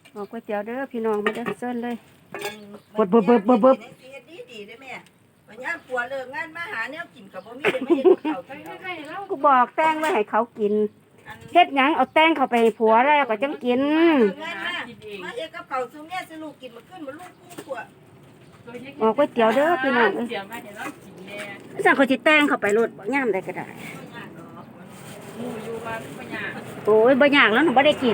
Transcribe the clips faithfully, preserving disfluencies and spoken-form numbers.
เอาก๋วยเตี๋ยวเด้อพี่น้องมาเด้อเซิ้นเลยบดบดบดบดบดดีๆได้แม่วันนี้ปัวเลิกงานมาหาแนวกินกับบ่มีได้มาเฮ็ดกับเขากินเอากูบอกแต้งไว้ให้เขากินเฮ็ดหยังเอาแต้งเข้าไปให้ผัวแล้วก็จังกินเลิกงานมามาเฮ็ดกับเขาซุแม่สิลูกกินมาขึ้นมาลูกคู่ปัวเอาก๋วยเตี๋ยวเด้อพี่น้องเอ้ยเดี๋ยวมาเดี๋ยวเรากินแน่สั่งเขาสิแต่งเข้าไปโลดบ่ย่ามใดก็ได้หมูอยู่มาปัญญาโอ้ยบ่ยากแล้วหนูบ่ได้กิน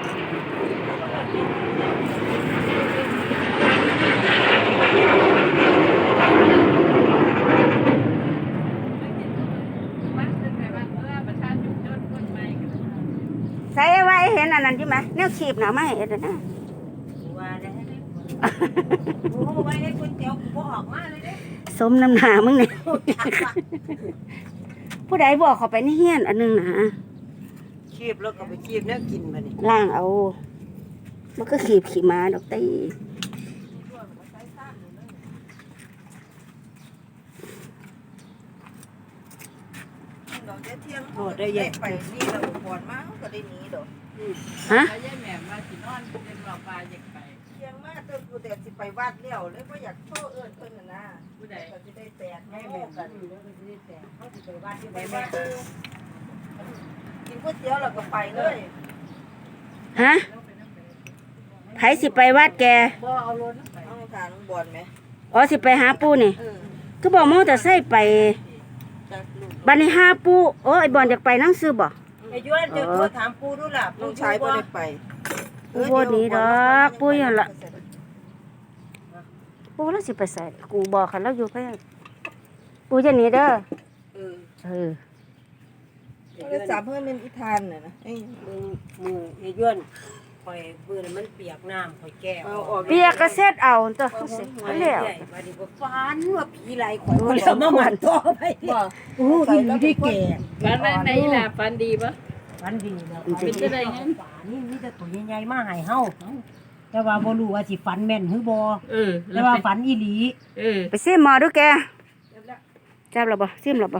ใส่ไว้เห็นอันนั้นอยู่ไหมแนวขีบหนาไม่เห็นนะว่าได้โอ้ไว้ให้ก๋วยเตี๋ยวบ่ออกมาเลยเด้สมน้ำหนามึงเนี่ยผู้ใดบอกเขาไปนี่เฮียนอันนึงนะคีบแล้วก็ไปคีบแนวกินมานี่ล่างเอา มันก็ขีบขี่ม้าดอกตีดอกเที่ยงโอ้ได้แยกไปนี่เราปวดมาก็ได้หนีดอกฮะแล้วยายแหม่มาสินอนเป็นหลอกปลาอยากไปเที่ยงมาเติมกูแต่สิไปวัดแล้วเลยบ่อยากโทษเอิ้นเพิ่นน่ะนะผู้ใดก็สิได้แตกแม่แบบกันแล้วก็สิได้แตกเขาสิไปวัดที่ไปวัดกินก๋วยเตี๋ยวแล้วก็ไปเลยฮะไผสิไปวัดแกบ่เอารถเอาทางบอลไหมอ๋อสิไปหาปู่นี่เออก็บอกมอแต่ใส่ไปจากลูกบัดนี้หาปู่โอ้ไอ้บอลอยากไปนั่งซื้อบ่ไอ้ย้วนจะโทรถามปูดูล่ะลูกชายบ่ได้ไปปู่บ่หนีดอกปู่อยู่ล่ะปู่แล้วสิไปใส่กูบอกคันแล้วอยู่เพิ่นปู่จะหนีเด้อเออเออโทรศัพท์เพิ่นเป็นอีทานน่ะนะเอ้ยมือมือไอ้ย้วนข่อยปืนมันเปียกน้ำข่อยแก้วเอาออกเปียกก็เซ็ดเอาตัวเสร็จแล้วมาดีก็ฝันว่าผีไหลข่อยก็เลยเอามาหมันตัวไปบ่โอ้ดีที่แก่ฝันไหนล่ะฝันดีปะฝันดีแล้วเป็นจะได้งั้นฝันนี่มีแต่ตัวใหญ่ๆมาให้เฮาแต่ว่าบ่รู้ว่าสิฝันแม่นหรือบ่เออแต่ว่าฝันอีหลีเออไปซิมหมอดูแกจับแล้วบ่ซิมแล้วบ่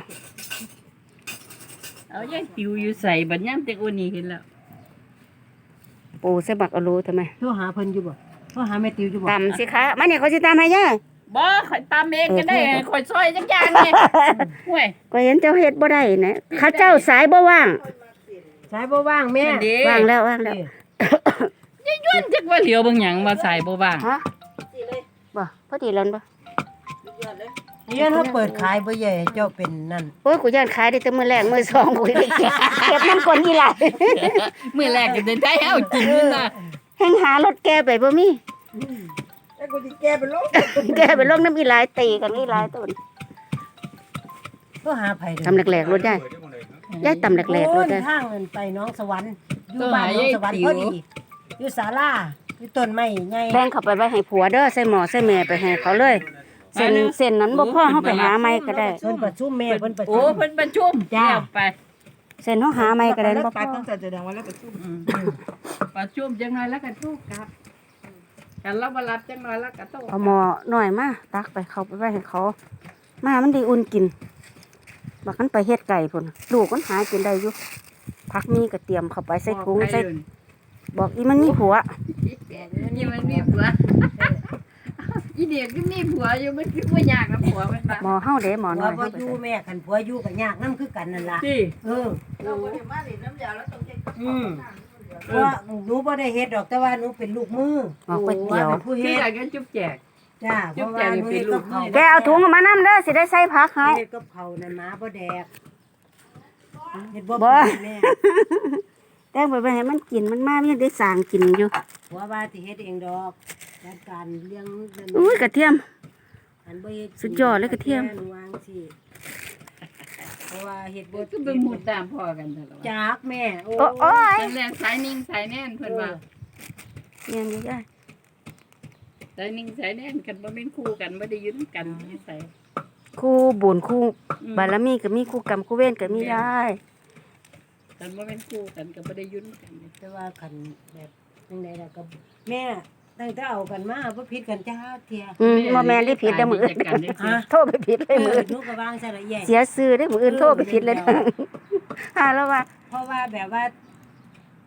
เอายายติวอยู่ใส่บัดย่ำแต่วันนี้เห็นแล้วปูใส่บักเอาโลทำไมโทรหาเพิ่นอยู่บ่โทรหาแม่ติวอยู่บ่ตำสิคะมาเนี่ยเขาสิตำให้ย่าบ่ข่อยตามเองก็ได้ข่อยซอยจักอย่างนี่ห่วยก็เห็นเจ้าเฮ็ดบ่ได้นะเขาเจ้าสายบ่ว่างสายบ่ว่างแม่นั่นเด้ว่างแล้วว่างแล้วยายย้วนจักว่าเหลียวบางหยังมาใส่บ่บ้างฮะสิเลยบ่พอดีแล้วบ่ย้อนเลยย้วนเฮาเปิดขายบ่ใหญ่เจ้าเป็นนั่นโอ้ยกูย่านขายได้แต่มื้อแรกมื้อสองกูได้เก็บเก็บน้ำคนอีหลายมื้อแรกก็ได้ให้เอากินนี่นะแห่งหารถแกไปบ่มีแล้วกูสิแก้เป็นโรคแกไปลงน้ำอีหลายตีกันอีหลายต้นโทรหาไผเด้อตำแหลกๆรถได้ยายตำแหลกๆรโอ้ถยได้ทางเงินไปน้องสวรรค์อยู่บ้านน้องสวรรค์พอดีอยู่ศาลาอยู่ต้นไม้ใหญ่แบ่งเข้าไปไว้ให้ผัวเด้อใส่หม้อใส่แม่ไปให้เขาเลยเส้นเส้นนั้นบ่พอเฮาไปหาใหม่ก็ได้เพิ่นประชุมแม่เพิ่นประโอ้ชุมเพิ่นประชุมแล้วไปเส้นเฮาหาใหม่ก็ได้บ่พตัดอตั้งแต่แสดงว่าแล้วประชุมอืมประชุมจังหน่อยแล้วก็โทรกลับกันเราบ่รับจังหน่อยแล้วก็โทรเอาหม้อหน่อยมาตักไปเขาไปไว้ให้เขา มามันได้อุ่นกินบักมันไปเฮ็ดไก่พุ่นลูกมันหากินได้อยู่พักมีก็เตรียมเข้าไปใส่ถุงใส่บอกอีมันมีผัวนี่มันมีผัวอีเด็กก็มีผัวอยู่มันคือบ่อยากกับผัวมันบ่หมอเฮาเด้หมอผัน้วอยบ่เฮาอไปยู่ใส่แม่คันผัวอยู่ก็ยากนำคือกันนั่นล่ะที่เออเราบ่ได้มานี่น้ำยาแล้วต้องเช็คอืมเพราะว่าหนูบ่ได้เฮ็ดดอกแต่ว่าหนูเป็นลูกมือหมอก๋วยเตี๋ยวเป็นผู้ที่เฮ็ดอยากกันจุ๊บแจกจ้าเพราะว่าหนูเฮ็ดกับเขาวแกเอาถุงออกมานำเด้อสิได้ใส่ผักให้เฮ็ดกับเขาวนั่นหมาบ่แดกเฮ็ดบ่บ่เป็นแม่แต่งไปไว้ให้มันกินมันมามันยังได้สร้างกินอยู่ผัวว่าสิเฮ็ดเองดอกจัดการเลี้ยงนั่นอุ้ยกระเทียมอันบ่เฮ็ดสุดยอดเลยกระเทียมหนูวางสิเพราะว่าเฮ็ดบ่ก็เป็นหมู่ตามพ่อกันตลอดจากแม่โอ้โอ้โอ้ยตั้งแต่สายนิ่งสายแน่นเพิ่นว่าเนี่ยนี่ได้สายนิ่งสายแน่นกันบ่เป็นคู่กันบ่ได้อยู่นำกันนิสัยคู่บุญคู่บารมีก็มีคู่กรรมคู่เวรก็มีได้กันบ่เป็นคู่กันก็บ่ได้อยู่นำกันแต่ว่าคันแบบจังไดล่ะก็แม่ตั้งแต่เอากันมาบ่ผิดกันจ้าเที่ยอืมบ่แม่นได้ผิดเด้อมื้ออื่นฮะโทษไปผิดเลยเอมื้อออื่นหนูก็วางซะละแย่เสียชื่อได้อมื้ออื่นโทษไปผิดเลยเด้อ หาแล้วว่าเพราะว่าแบบว่า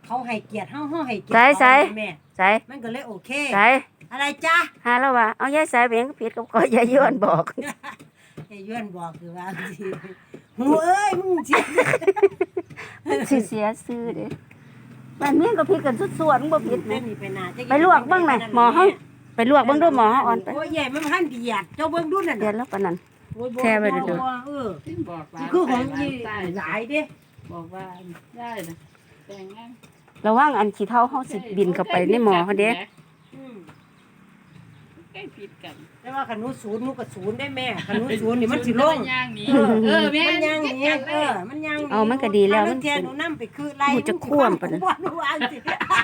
เขาให้เกียรติเฮาเฮาให้เกียรติใส่ใส่เขาแม่ใส่มันก็เลยโอเคใส่อะไรจ้าหาแล้วว่าเอายายสายเบียงก็ผิดกับก็ยายย้อนบอกไอ้ย้อนบอกคือว่าสิหูเอ้ยมึงสิสิเสียซื้อเด้บ้านเมียก็ผิดกันสุดส่วนบ่ผิดแม่แม่นี่ไปนาจะไปลวกเบิ่งหน่อยหมอเฮาไปลวกเบิ่งดูหมอเฮาอ่อนไปโอ้ยใหญ่มันพันเดียดเจ้าเบิ่งดูนั่นเดี๋ยวน่ะแล้วปานนั้นโอ้ยบ่แช่ไว้เด้อบ่เออซึ่งบอกว่าคือของยี่ใต้หลายเด้บอกว่าได้นะแต่งงานระวังอันขี้เท่าเฮาสิบินเข้าไปในหมอเฮาเด้อืมใกล้ผิดกันแต่ว่าคันหนูศูนย์หนูก็ศูนย์ได้แม่คันหนูศูนย์นี่มันสิลงย่างนี้เออแม่มันยังหนี้เออมันยังหเอามันก็ดีแล้วมันเทียนหนูนำไปคือไล่หนูจะคว่ำปะนะหนูวางสิ